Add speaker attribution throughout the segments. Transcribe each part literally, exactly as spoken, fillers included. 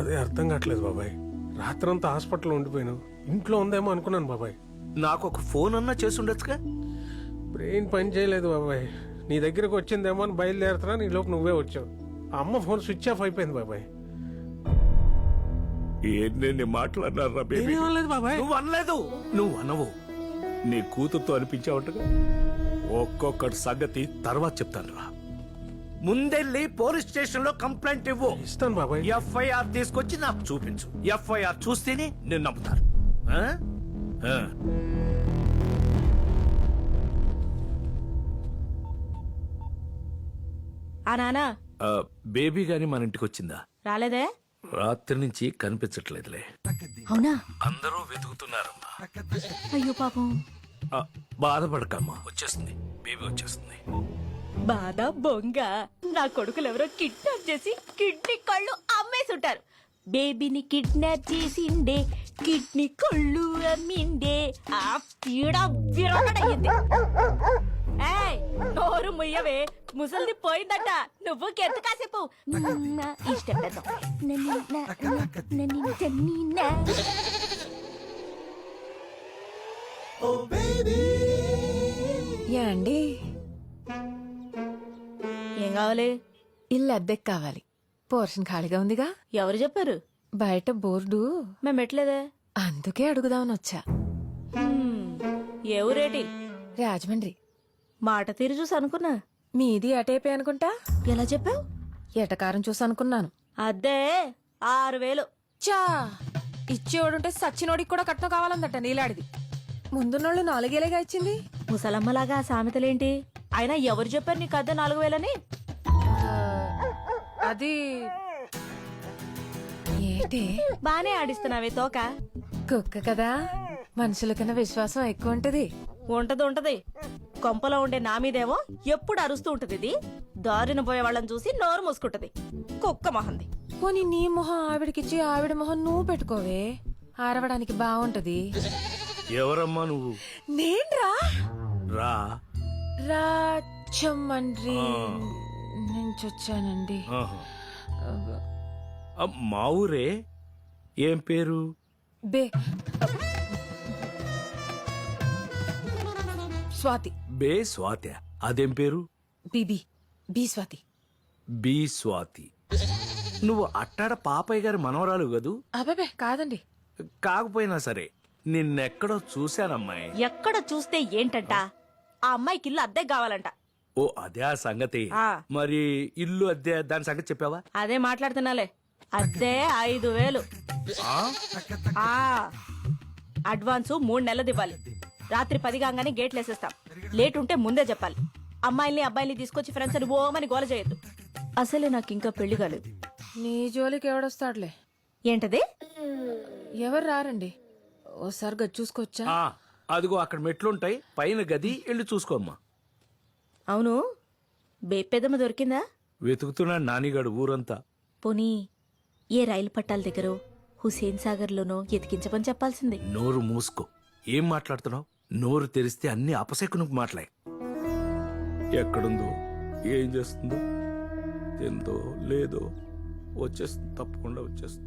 Speaker 1: అదే అర్థం కావట్లేదు బాబాయ్. రాత్రంతా హాస్పిటల్లో ఉండిపోయాను. ఇంట్లో ఉందేమో అనుకున్నాను బాబాయ్.
Speaker 2: నాకు ఒక ఫోన్ అన్నా చేసి ఉండొచ్చుగా.
Speaker 1: బ్రెయిన్ పని చేయలేదు బాబాయ్. నీ దగ్గరకు వచ్చిందేమో అని బయలుదేరుతున్నా, నీ లోపు నువ్వే వచ్చావు. ఆ అమ్మ ఫోన్ స్విచ్ ఆఫ్ అయిపోయింది బాబాయ్.
Speaker 2: ఏంటి మాట్లాడినారా
Speaker 1: ఏమనలేదు బాబాయ్.
Speaker 2: నువ్వు అనలేదు. నువ్వు అనవు. నీ కూతురుతో అనిపించావుగా. ఒక్కొక్కటి సంగతి తర్వాత చెప్తాను రా. ముందెళ్ళి పోలీస్ స్టేషన్ లో కంప్లైంట్ ఇవ్వు.
Speaker 1: ఇస్తాను బాబాయ్.
Speaker 2: ఎఫ్ఐఆర్ తీసుకొచ్చి నాకు చూపించు. ఎఫ్ఐఆర్ చూస్తేనే నేను నమ్ముతాను. ఆ? ఆ.
Speaker 3: ఆ నానా
Speaker 2: ఆ, బేబీ గాని మన ఇంటికి వచ్చిందా?
Speaker 3: రాలేదే.
Speaker 2: రాత్రి నుంచి కనిపించట్లేదులే.
Speaker 3: అవునా?
Speaker 2: అందరూ వెతుకుతున్నారమ్మా.
Speaker 3: అయ్యో పాపం.
Speaker 2: ఆ, బాధపడకమ్మా, వచ్చేస్తుంది. బేబీ వచ్చేస్తుంది.
Speaker 3: బాధ బొంగ. నా కొడుకులు ఎవరో కిడ్నాప్ చేసి కిడ్నీ కళ్ళు అమ్మేసుంటారు. బేబీని కిడ్నాప్ చేసిండే, కిడ్నీ కళ్ళు అమ్మిండే. ఆ పీడ విరగడయ్యింది. ఏయ్, నోరు ముయ్యవే, ముసలిది పోయిందట. నువ్వు కెత్తు కాసేపు ఇష్టం పెద్ద.
Speaker 4: యాండి,
Speaker 3: ఏం కావాలి?
Speaker 4: ఇల్లు అద్దెకి కావాలి. పోర్షన్ ఖాళీగా ఉందిగా.
Speaker 3: ఎవరు చెప్పారు?
Speaker 4: బయట బోర్డు.
Speaker 3: మేము పెట్టలేదే.
Speaker 4: అందుకే అడుగుదామని వచ్చా.
Speaker 3: హ్మ్, ఏ ఊరేటి?
Speaker 4: రాజమండ్రి.
Speaker 3: మాట తీరు చూసి అనుకున్నా.
Speaker 4: మీది అటేపే అనుకుంటా.
Speaker 3: ఎలా చెప్పావు?
Speaker 4: ఎటకారం చూసి అనుకున్నాను.
Speaker 3: అద్దే ఆరు వేలు.
Speaker 4: చా, ఇచ్చేవాడుంటే సచ్చినోడికి కూడా కట్నం కావాలందట నీలాడిది. ముందున్నోళ్ళు నాలుగేలేగా ఇచ్చింది.
Speaker 3: ముసలమ్మలాగా ఆ సామెతలేంటి? అయినా ఎవరు చెప్పారు నీకు అద్దె నాలుగు వేలని?
Speaker 4: అది ఏంటి?
Speaker 3: బానే ఆడిస్తున్నావే తోక.
Speaker 4: కుక్క కదా, మనుషుల కన్నా విశ్వాసం ఎక్కువ ఉంటది.
Speaker 3: ఉంటది ఉంటది. కొంపలో ఉండే నా మీదేమో ఎప్పుడు అరుస్తూ ఉంటది. ఇది దారిన పోయే వాళ్ళని చూసి నోరు మూసుకుంటది. కుక్క మొహంది.
Speaker 4: పోనీ నీ మొహం ఆవిడకిచ్చి ఆవిడ మొహం నువ్వు పెట్టుకోవే, ఆరవడానికి బాగుంటది.
Speaker 2: ఎవరమ్మా నువ్వు?
Speaker 4: నేన్రా
Speaker 2: రా.
Speaker 4: రాజమండ్రి నుంచి వచ్చానండి.
Speaker 2: ఆహా. ఆ, మా ఊరే. ఏం పేరు?
Speaker 4: బే స్వాతి.
Speaker 2: బే స్వాతి. అదేం పేరు?
Speaker 4: బీబీ బి స్వాతి.
Speaker 2: బి స్వాతి. నువ్వు అట్టాడ పాపయ్య గారి మనవరాలు కదూ?
Speaker 4: అబ్బాబే కాదండి.
Speaker 2: కాకపోయినా సరే నిన్నెక్కడో చూశానమ్మాయి.
Speaker 3: ఎక్కడ చూస్తే ఏంటంట? ఆ అమ్మాయికి ఇల్లు అద్దె కావాలంట.
Speaker 2: ఓ అదే ఆ సంగతి.
Speaker 3: ఆ.
Speaker 2: మరి ఇల్లు అద్దె దాని సంగతి చెప్పావా?
Speaker 3: అదే మాట్లాడుతున్నాలే. అద్దె ఐదు వేలు.
Speaker 2: ఆ?
Speaker 3: ఆ అడ్వాన్సు మూడు నెలలు ఇవ్వాలి. రాత్రి పది కాగానే గేట్లు వేసేస్తాం. లేట్ ఉంటే ముందే చెప్పాలి. అమ్మాయిల్ని అబ్బాయిల్ని తీసుకొచ్చి ఫ్రెండ్స్ అని ఓమని గోల చేయొద్దు. అసలే నాకు ఇంకా పెళ్లి కాలేదు.
Speaker 4: నీ జోలికి ఎవడొస్తాడులే.
Speaker 3: ఏంటది?
Speaker 4: ఎవరు రారండి. ఓసారి గది చూసుకోవచ్చా?
Speaker 2: ఆ, అదిగో అక్కడ మెట్లుంటాయి, పైన గది వెళ్ళి చూసుకోమ్మా.
Speaker 3: అవును, బేపెదమ్మ దొరికిందా?
Speaker 2: వెతుకుతున్నాడు నానిగాడు ఊరంతా.
Speaker 3: పోనీ ఏ రైలు పట్టాల దగ్గర హుసేన్ సాగర్ లోనో ఎతికించమని చెప్పాల్సింది.
Speaker 2: నోరు మూసుకో. ఏం మాట్లాడుతున్నావు? నోరు తెరిస్తే అన్ని అపశకునకు మాట్లాయి. ఎక్కడుందో, ఏం చేస్తుందో, తిందో లేదో వచ్చేస్తుంది. తప్పకుండా వచ్చేస్తుంది.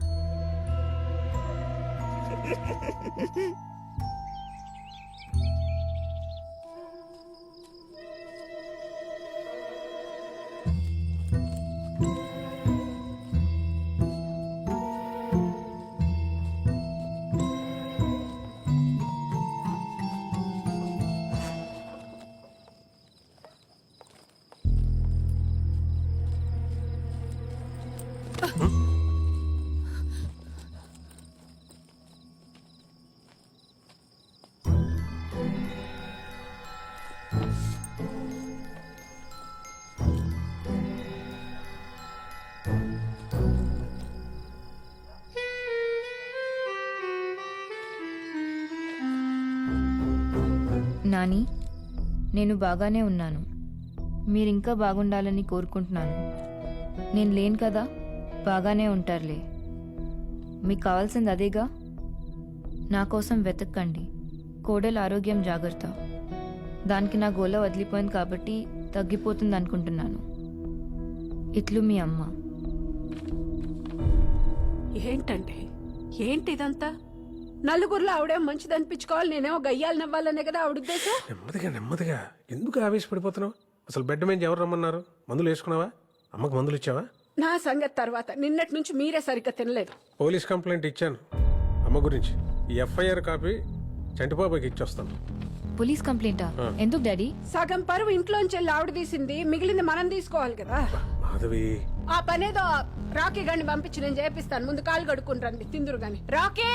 Speaker 5: నాని, నేను బాగానే ఉన్నాను. మీరింకా బాగుండాలని కోరుకుంటున్నాను. నేను లేను కదా, బాగానే ఉంటారులే. మీకు కావాల్సింది అదేగా. నా కోసం వెతక్కండి. కోడలు ఆరోగ్యం జాగ్రత్త. దానికి నా గోల వదిలిపోయింది కాబట్టి తగ్గిపోతుంది అనుకుంటున్నాను. ఇట్లు మీ అమ్మ.
Speaker 6: ఏంటంటే ఏంటి ఇదంతా నలుగురిలో ఆవిడేం మంచిది అనిపించుకోవాలి, నేనేమో గయ్యాలు నవ్వాలనే కదా ఆవిడ ఉద్దేశం.
Speaker 1: నెమ్మదిగా నెమ్మదిగా ఎందుకు ఆవేశపడిపోతున్నావు? అసలు బెడ్ మీద ఎవరు రమ్మన్నారు? మందులు వేసుకున్నావా? అమ్మకు మందులు ఇచ్చావా?
Speaker 6: నా సంగతి తర్వాత. నిన్నటి నుంచి మీరే సరిగ్గా తినలేదు.
Speaker 1: పోలీస్ కంప్లైంట్ ఇచ్చాను అమ్మ గురించి. ఈ ఎఫ్ఐఆర్ కాపీ చంటిబాబాకి ఇచ్చొస్తాను.
Speaker 5: పోలీస్ కంప్లైంటా? ఎందుకు డాడీ?
Speaker 6: సగం పరువు ఇంట్లోంచి వెళ్ళి ఆవిడ తీసింది, మిగిలింది మనం తీసుకోవాలి కదా.
Speaker 1: మాధవి,
Speaker 6: ఆ పనేదో రాకీ గండి పంపించి నేను చేపిస్తాను. ముందు కాలు కడుక్కుని రండి, తిందురు గాని. రాకీ,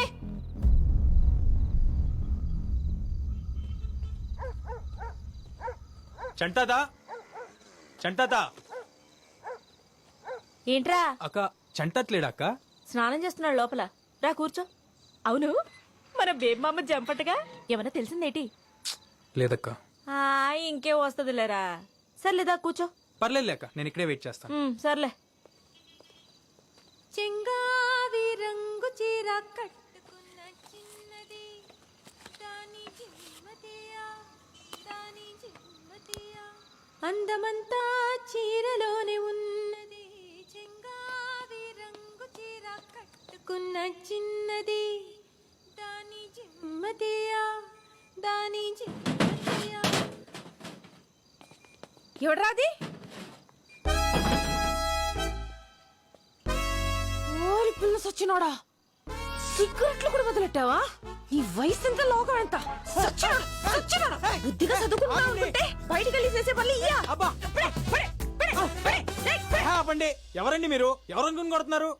Speaker 7: చంటాదా చంటాదా
Speaker 3: ఏంట్రా
Speaker 7: అక్క చంటట్లేడా అక్క?
Speaker 3: స్నానం చేస్తున్నాడు లోపల. రా కూర్చో. అవును, మన బేబమ్మ జంపటగా ఏమన్నా తెలిసిందేటి?
Speaker 7: లేదక్క.
Speaker 3: ఆ, ఇంకే వస్తుందిలేరా. సర్లేదా కూర్చో.
Speaker 7: పర్లేదు అక్క, నేను ఇక్కడే వెయిట్ చేస్తాను.
Speaker 3: ఉమ్, సర్లే.
Speaker 4: చెంగావి రంగు చీర కట్టుకున్న చిన్నది దాని జిమ్మతియా దాని జిమ్మతియా అందమంతా చీరలోనే ఉన్నది. చెంగావి రంగు చీర కట్టుకున్న చిన్నది దాని జిమ్మతియా దాని జిమ్మతియా. ఎవడ్రాది? ఓరి పిల్ల సచ్చినోడా, సిగరెట్లు కూడా వదిలెట్టావా? నీ వయసు ఎంత, లోకం ఎంత? సచ్చినోడా, సచ్చినోడా. బుద్ధిగా చదువుకుంటున్నావు అనుకుంటే బయటికి వెళ్ళి చేసే పనులు ఇయ్యా.
Speaker 7: అబ్బా
Speaker 4: పడే, పడే, పడే, పడే, పడే, పడే.
Speaker 7: ఆపండి. ఎవరండి మీరు? ఎవరనుకుని కొడుతున్నారు?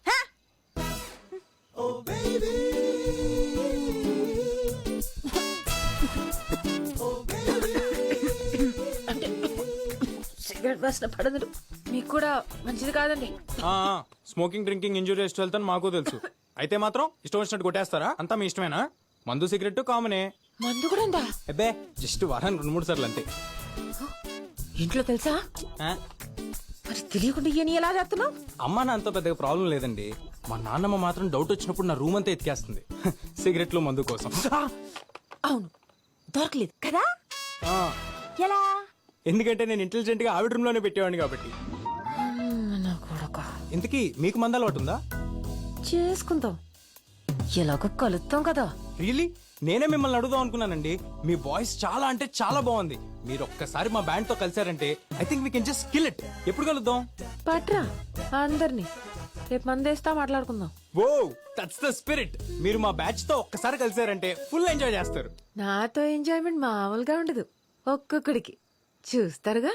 Speaker 4: సిగరెట్ వాసన పడదు. మీకు కూడా మంచిది కాదండి.
Speaker 7: ఆ, ఆ, smoking drinking injurious to health అని మాకు తెలుసు. అయితే మాత్రం ఇష్టం వచ్చినట్టు కొట్టేస్తారా? అంతా మీ ఇష్టమేనా? మందు సిగరెట్ కామనే.
Speaker 4: మందు కూడా ఉందా?
Speaker 7: అబ్బే జస్ట్ వారానికి రెండు మూడు సార్లు అంతే.
Speaker 4: ఇంట్లో తెలుసా?
Speaker 7: ఆ,
Speaker 4: మరి తెలియకుండా ఇయని ఎలా చేస్తున్నావు?
Speaker 7: అమ్మ నా అంత పెద్దగా ప్రాబ్లం లేదండి. మా నాన్నమ్మ మాత్రం డౌట్ వచ్చినప్పుడు నా రూమ్ అంతా ఎత్తికేస్తుంది సిగరెట్లు మందు కోసం.
Speaker 4: అవును, దొరకలేదు కదా.
Speaker 7: ఆ,
Speaker 4: ఎలా?
Speaker 7: ఎందుకంటే నేను ఇంటెలిజెంట్ గా ఆవిడ రూమ్ లోనే పెట్టేవాడిని కాబట్టి.
Speaker 4: నా కొడక,
Speaker 7: ఇంతకీ మీకు మందు అలవాటు ఉందా?
Speaker 4: చేసుకుందాం, ఎలాగో కలుస్తాం కదా.
Speaker 7: రియలీ నేనే మిమ్మల్ని అడుగుదాం అనుకున్నానండి. మీ వాయిస్ చాలా అంటే చాలా బాగుంది. మీరు ఒక్కసారి మా బ్యాండ్ తో కలిసారంటే I think we can just kill it. ఎప్పుడు కలుద్దాం?
Speaker 4: పట్రా అందరినీ, రేపు మందేస్తా మాట్లాడుకుందాం.
Speaker 7: Oh that's the spirit. మీరు మా బ్యాచ్ తో ఒక్కసారి కలిసారంటే ఫుల్ ఎంజాయ్ చేస్తారు.
Speaker 4: నాతో ఎంజాయ్మెంట్ మామూలుగా ఉండదు. ఒక్కొక్కడికి చూస్తారుగా.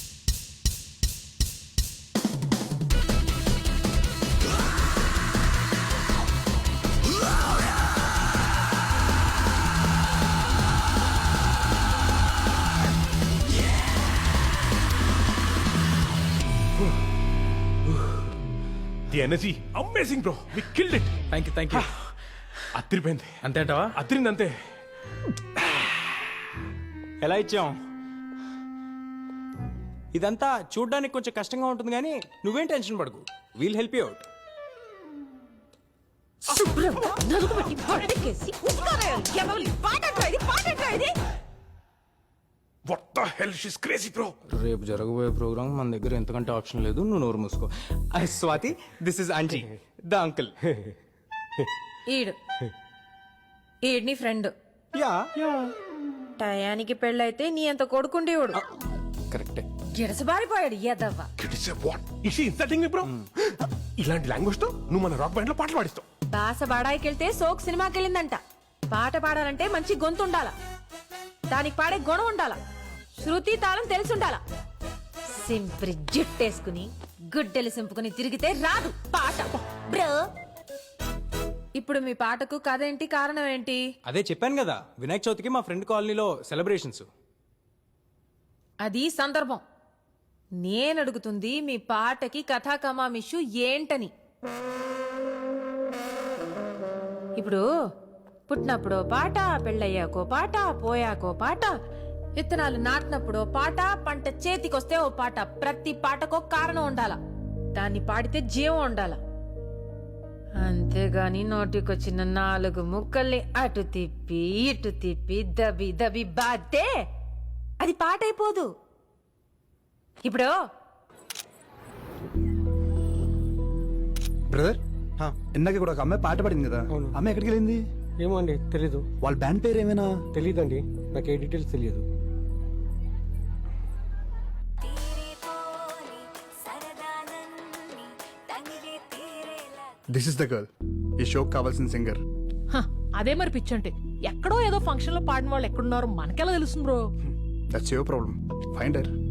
Speaker 8: The energy amazing bro, we killed it.
Speaker 7: Thank you thank you.
Speaker 8: అత్తిరిపోయింది.
Speaker 7: అంతేంటవా?
Speaker 8: అత్తిరింది అంతే.
Speaker 7: ఎలా ఇచ్చాం? ఇదంతా చూడ్డానికి కొంచెం కష్టంగా ఉంటుంది కానీ నువ్వేం టెన్షన్ పడకు. We'll help you out.
Speaker 4: శుభ్రంగా నలుగుబెట్టి పడకేసి ఉస్కారాయాలి. ఎవరి పాటట్రా ఇది, పాటట్రా ఇది.
Speaker 8: What the hell, she is crazy bro.
Speaker 7: రేపు జరగబోయే ప్రోగ్రామ్ మన దగ్గర ఎంతకంటే ఆప్షన్ లేదు. నువ్వు నోరు మూసుకో. I Swathi, this is aunty the uncle.
Speaker 4: ఈడు ఈడ్ నీ ఫ్రెండ్.
Speaker 7: యా
Speaker 4: టయానికి పెళ్ళైతే నీ అంత కొడుకుండేవాడు.
Speaker 7: కరెక్టే.
Speaker 4: గిడసబారిపోయాడు ఎదవ్వ.
Speaker 8: What is she insulting me bro? ఇలాంటి లాంగ్వేజ్ తో నువ్వు మన రాక్ బ్యాండ్ లో పాటలు పాడిస్తావు.
Speaker 4: బాస బాడాయికెళ్తే సోక్ సినిమాకి వెళ్ళిందంట. పాట పాడాలంటే మంచి గొంతు ఉండాలా, దానికి పాడే గుణం ఉండాలా, శృతి తాళం తెలిసి ఉండాలా. సింప్రి జుట్టేసుకుని గుడ్డెలు సింపుకుని తిరిగితే రాదు పాట బ్రో. ఇప్పుడు మీ పాటకు కథ ఏంటి, కారణం ఏంటి?
Speaker 7: అదే చెప్పాను కదా, వినాయక చవితికి మా ఫ్రెండ్ కాలనీలో సెలబ్రేషన్స్.
Speaker 4: అది సందర్భం. నేను అడుగుతుంది మీ పాటకి కథా కమామిషు ఏంటని. ఇప్పుడు పుట్టినప్పుడో పాట, పెళ్ళయ్యాకో పాట, పోయాకో పాట, విత్తనాలు నాటినప్పుడో పాట, పంట చేతికొస్తే ఓ పాట. ప్రతి పాటకో కారణం ఉండాలా, దాన్ని పాడితే జీవం ఉండాలా. అంతేగాని నోటికొచ్చిన నాలుగు ముక్కల్ని అటు తిప్పి ఇటు తిప్పి దబి దబి బాతే అది పాట అయిపోదు. ఇప్పుడు
Speaker 1: బ్రదర్
Speaker 9: ఇందాక కూడా ఒక అమ్మాయి పాట పాడింది కదా అమ్మాయి ఎక్కడికి వెళ్ళింది?
Speaker 1: ఏమో అండి తెలీదు.
Speaker 9: వాళ్ళ బ్యాండ్ పేరు ఏమైనా?
Speaker 1: తెలీదండి, నాకు ఏ డీటెయిల్స్ తెలియదు.
Speaker 9: దిస్ ఇస్ ద గర్ల్, ఈ షోకి కావాల్సిన సింగర్.
Speaker 10: హ, అదే మరి పిచ్చంటే ఎక్కడో ఏదో ఫంక్షన్ లో పాడిన వాళ్ళు ఎక్కడున్నారో మనకెలా తెలుస్తుంది bro?
Speaker 9: That's your problem, find her.